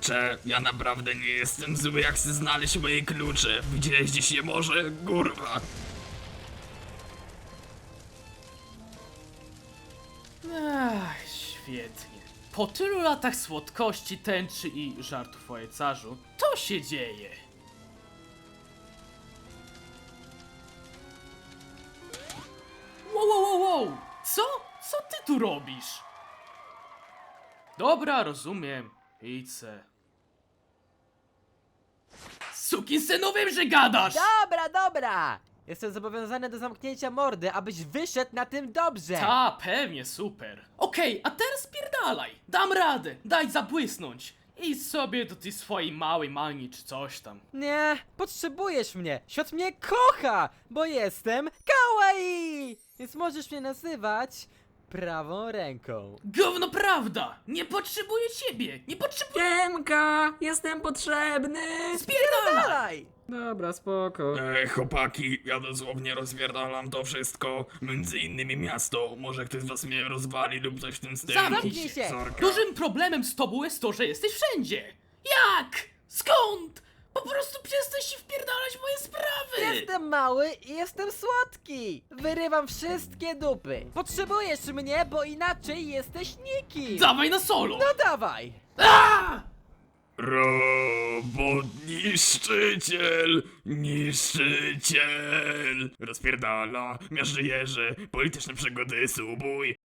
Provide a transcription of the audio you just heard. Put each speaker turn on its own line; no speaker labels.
Kurczę, ja naprawdę nie jestem zły, jak chcę znaleźć moje klucze. Widziałeś gdzieś je może? Kurwa.
Ach, świetnie. Po tylu latach słodkości, tęczy i żartów o jecarzu, to się dzieje. Wow. Co? Co ty tu robisz? Dobra, rozumiem. Idź se. Sukinsynów, wiem, że gadasz!
Dobra! Jestem zobowiązany do zamknięcia mordy, abyś wyszedł na tym dobrze!
Ta, pewnie, super. Okej, a teraz spierdalaj. Dam radę, daj zabłysnąć. Idź sobie do tej swojej małej mani czy coś tam.
Nie, potrzebujesz mnie! Świat mnie kocha, bo jestem kawaii! Więc możesz mnie nazywać prawą ręką.
Gówno prawda! Nie potrzebuję ciebie! Nie potrzebuję...
Siemka, jestem potrzebny.
Spierdalaj!
Dalej!
Dobra, spoko.
Chłopaki, ja dosłownie rozwierdalam to wszystko. Między innymi miasto. Może ktoś z was mnie rozwali lub coś w tym stylu.
Zamknij
się.
Sorka.
Dużym problemem z tobą jest to, że jesteś wszędzie! Jak? Skąd? Po prostu przestań się wpierdalać w moje sprawy!
Jestem mały i jestem słodki! Wyrywam wszystkie dupy! Potrzebujesz mnie, bo inaczej jesteś nikim!
Dawaj na solo!
No dawaj!
A!
Robot niszczyciel, niszczyciel. Rozpierdala, miażdżyjerze, polityczne przygody, subuj.